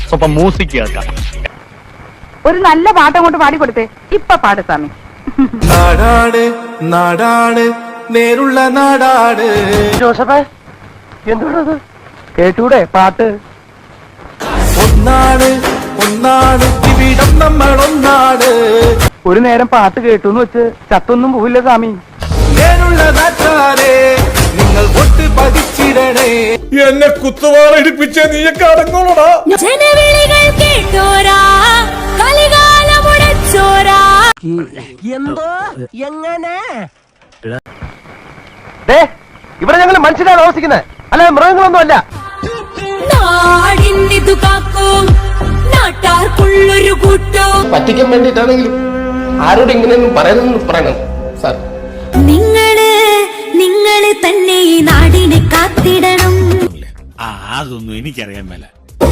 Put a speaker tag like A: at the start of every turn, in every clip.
A: സ്വപ്പം music കേൾക്കാം.
B: ഒരു നല്ല പാട്ട് അങ്ങോട്ട് പാടിക്കൊടുത്തേ. ഇപ്പൊ പാട് സ്വാമി.
C: നാടാട് നാടാട് നേരുള്ള നാടാട്.
D: ജോസഫേ, എന്തുകൊണ്ടത് കേട്ടൂടെ പാട്ട്?
C: ഒന്നാട് ഒന്നാട് ഇവിടം നമ്മൾ ഒന്നാട്.
D: ഒരു നേരം പാട്ട് കേട്ടൂന്ന് വെച്ച് ചത്തൊന്നും പോവില്ല സ്വാമി.
C: നേരുള്ള നാട്ടാരെ നിങ്ങൾ ഒട്ട് പതിച്ചിടണേ.
E: എന്നെ കുത്തുവാള ഇടിപ്പിച്ച നീയൊക്കെ അടങ്ങോളടാ.
F: ജനവിളികൾ കേട്ടോരാ, കലികാലമുടച്ചോരാ.
D: എന്തോ എങ്ങനെ? ഇവിടെ ഞങ്ങൾ മനുഷ്യരാണ് താമസിക്കുന്നത്, അല്ലാതെ മൃഗങ്ങളൊന്നും അല്ല.
F: നാടിന്നിതു കാക്കും നാട്ടാർക്കുള്ളൊരു കൂട്ടോ.
G: പറ്റിക്കാൻ വേണ്ടിയിട്ടാണെങ്കിലും ആരോട് ഇങ്ങനെയൊന്നും പറയണം സാർ.
F: നിങ്ങള് തന്നെ ഈ നാടിനെ കാത്തിടണം.
E: അതൊന്നും എനിക്കറിയാൻ മേല.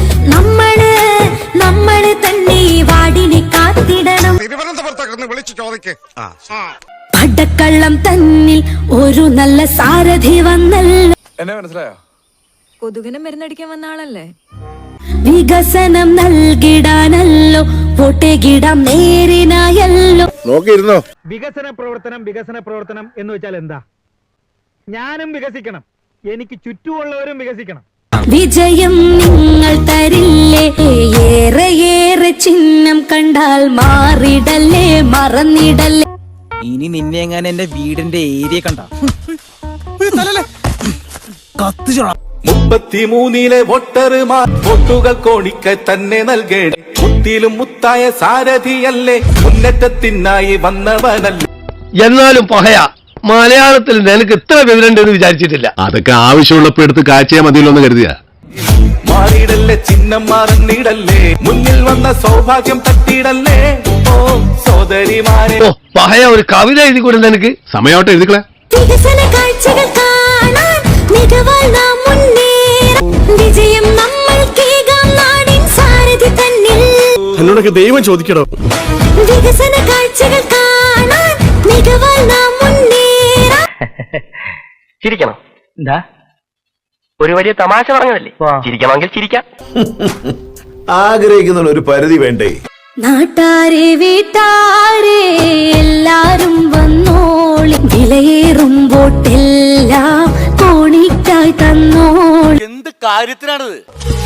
F: നമ്മള് തന്നെ ഈ വാടിനെ കാത്തിടണം.
E: വിളിച്ചു ചോദിക്കേ.
F: പടക്കള്ളം തന്നിൽ ഒരു നല്ല സാരഥി വന്നല്ലോ.
E: എന്നെ മനസ്സിലായോ?
H: കൊതുകിനെ മരുന്നടിക്കാൻ വന്ന ആളല്ലേ?
F: വികസനം നൽകിടാനല്ലോ വോട്ടേകിടാം നേരിനായല്ലോ.
D: നോക്കിയിരുന്നോ?
A: വികസന പ്രവർത്തനം എന്ന് വെച്ചാൽ എന്താ? ഞാനും വികസിക്കണം, എനിക്ക് ചുറ്റുമുള്ളവരും വികസിക്കണം.
F: വിജയം നിങ്ങൾ തരില്ലേ, ഏറെ ചിഹ്നം കണ്ടാൽ മാറിടല്ലേ, മറന്നിടല്ലേ.
I: ഇനി നിന്നെ എങ്ങനെ എന്റെ വീടിന്റെ ഏരിയ കണ്ട
C: 33 വോട്ടർമാർ വോട്ടുകൾ കോണിക്ക് തന്നെ നൽകേണം. മുത്തിലും മുത്തായ സാരഥിയല്ലേ, മുന്നേറ്റത്തിനായി വന്നവനല്ലേ.
D: എന്നാലും പഹയ മലയാളത്തിൽ നിനക്ക് ഇത്ര വിവരണ്ടെന്ന് വിചാരിച്ചിട്ടില്ല.
E: അതൊക്കെ ആവശ്യമുള്ളപ്പോ എടുത്ത് കാഴ്ചയാ മതിയല്ലോന്ന് കരുതിയ.
C: മാറിയിടല്ലേ, ചിഹ്നം മാറുന്നിടല്ലേ, മുന്നിൽ വന്ന സൗഭാഗ്യം തട്ടിയിടല്ലേ. ഓ സോദരിമാരെ,
D: പഹയ ഒരു കവിത എഴുതി കൊടുത്ത എനിക്ക്
E: സമയമായിട്ട് എഴുതിക്കളെ.
F: വികസന കാഴ്ചകൾ കാണാൻ മികവാൽ നാം മുന്നേറാം. വിജയം നമ്മൾക്കേകാം നാടിൻ സാരഥി തന്നിൽ.
E: എന്നോടൊക്കെ ദൈവം ചോദിക്കണോ?
F: വികസന കാഴ്ചകൾ കാണാൻ മികവാൽ നാം മുന്നേറാം.
D: ചിരിക്കണം. എന്താ ഒരു വലിയ തമാശ പറഞ്ഞതല്ലേ? ചിരിക്കണമെങ്കിൽ ചിരിക്കാം.
E: ആഗ്രഹിക്കുന്ന ഒരു പരിധി വേണ്ടേ?
F: നാട്ടാരെ വീട്ടാരെ എല്ലാരും വന്നോളി, വിലയേറും വോട്ടെല്ലാം കോണിക്കായി തന്നോളി.
C: എന്ത് കാര്യത്തിനാണിത്?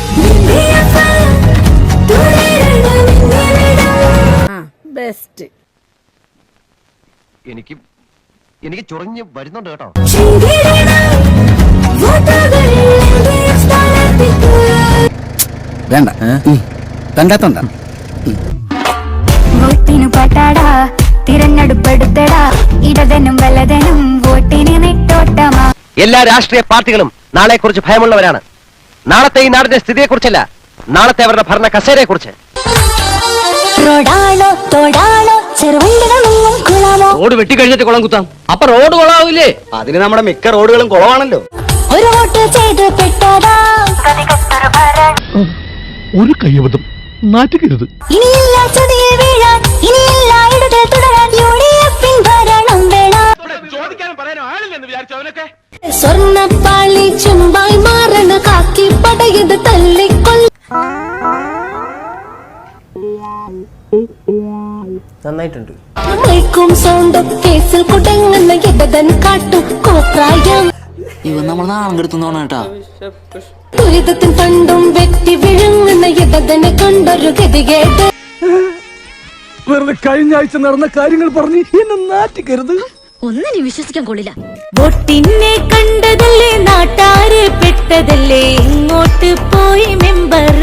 H: ബെസ്റ്റ്.
D: എനിക്ക് ചൊറിഞ്ഞ് വരുന്നുണ്ട് കേട്ടോ.
I: വേണ്ട കണ്ടാത്തോണ്ട.
F: വോട്ടിനു പട്ടാടാ, തിരഞ്ഞെടുപ്പെടുത്തടാ, ഇടതനും വലതനും വോട്ടിന് നെട്ടോട്ടമാ.
D: എല്ലാ രാഷ്ട്രീയ പാർട്ടികളും നാളെ കുറിച്ച് ഭയമുള്ളവരാണ്. നാളത്തെ ഈ നാടിന്റെ സ്ഥിതിയെ കുറിച്ചല്ല, നാളത്തെ അവരുടെ ഭരണ കസേരയെ കുറിച്ച്.
F: റോഡാണോ തോടാണോ ചെറുവണ്ടികളൊന്നും കുളമോ.
D: റോഡ് വെട്ടിക്കഴിഞ്ഞിട്ട് കുളം കുത്താം, അപ്പൊ റോഡ് കുളമാവില്ലേ? അതിന് നമ്മുടെ മിക്ക റോഡുകളും കുളമാണല്ലോ.
F: ഒരു വോട്ട് ചെയ്ത് പെട്ടതാ
E: ഒരു കയ്യബദ്ധം നാറ്റുകരുത്.
F: ഇനിയില്ല ചതിയിൽ വീഴാൻ, ഇനിയില്ല ഇടതിൽ തുടരാൻ. യുഡിഎഫിൻ ഭരണം വേണം. സ്വർണ്ണപ്പാളി ചുമ്പായി മാറണ കാക്കി പടയത് തല്ലിക്കൊല്ല.
D: നന്നായിട്ടുണ്ട്.
F: മൈക്കും സൗണ്ടും കേസിൽ കുടങ്ങുന്ന ഇടതൻ കാട്ടും കോപ്രായം.
I: ഇവൻ നമ്മൾ നാളെ എടുത്തോണ കേട്ടാ.
F: ദുരിതത്തിൻ പണ്ടും വെട്ടി വിഴുങ്ങുന്ന ഇടതനെ കണ്ടൊരു ഗതികേട്.
E: വെറുതെ കഴിഞ്ഞ ആഴ്ച നടന്ന കാര്യങ്ങൾ പറഞ്ഞ് എന്നെ നാറ്റിക്കരുത്.
H: ഒന്നിനും വിശ്വസിക്കാൻ കൊള്ളില്ല.
F: വോട്ടിനെ കണ്ടതല്ലേ, നാട്ടാരെ പെട്ടതല്ലേ, ഇങ്ങോട്ട് പോയി മെമ്പർ.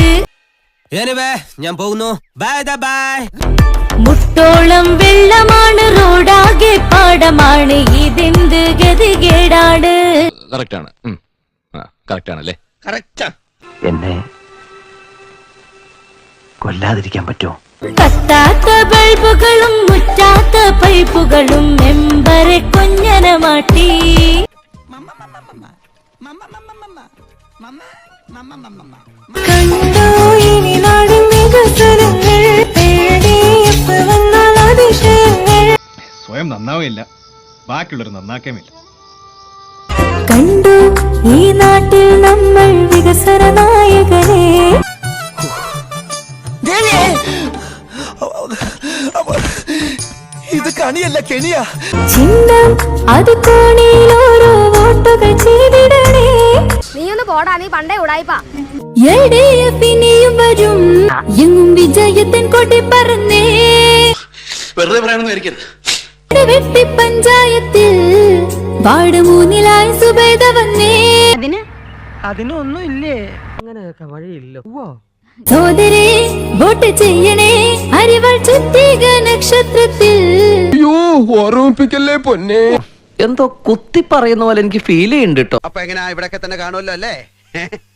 I: ഞാൻ പോകുന്നു. Bye bye.
F: മുട്ടോളം വെള്ളമാണ്, റോഡാകെ പാടമാണ്, ഇതെന്ത് ഗതികേടാണ്.
E: കറക്റ്റാണല്ലേ?
D: എന്നെ കൊല്ലാതിരിക്കാൻ പറ്റുമോ?
F: കത്താത്ത ബൾബുകളും മുറ്റാത്ത പൈപ്പുകളും മെമ്പറെ കൊഞ്ഞനമാട്ടി. കണ്ടോ ഇനി നാടിൻ വികസനങ്ങൾ, എൽഡിഎഫ് വന്നാൽ അതിശയങ്ങൾ.
E: സ്വയം നന്നാവുകയില്ല, ബാക്കിയുള്ളവർ നന്നാക്കേമില്ല.
F: കണ്ടു ഈ നാട്ടിൽ നമ്മൾ വികസന നായകനെ.
C: ഇത് കണിയല്ല കെണിയാ.
F: ചിഹ്നം അത് കോണിയിൽ ഓരോ വോട്ടുകൾ ചെയ്തിടണേ.
B: നീ ഒന്ന് പോടാ, നീ പണ്ടേ ഉടായിപ്പാ.
F: LDF ഇനിയും വരും, എങ്ങും വിജയത്തിൻ കൊടി പറന്നേ.
C: വെറുതെ പറയണമെന്ന് വിചാരിക്കരുത്.
F: വെട്ടി പഞ്ചായത്തിൽ വാർഡ് 3-ലായി സുബൈദ വന്നേ. സോദരേ വോട്ട് ചെയ്യണേ, അരിവാൾ ചുറ്റിക നക്ഷത്രത്തിൽ.
G: അയ്യോ ഓർമ്മിപ്പിക്കല്ലേ പൊന്നെ.
D: എന്തോ കുത്തി പറയുന്ന പോലെ എനിക്ക് ഫീൽ ചെയ്യുന്നുണ്ട് കേട്ടോ.
C: അപ്പൊ എങ്ങനെയാ ഇവിടൊക്കെ തന്നെ കാണുമല്ലോ അല്ലേ?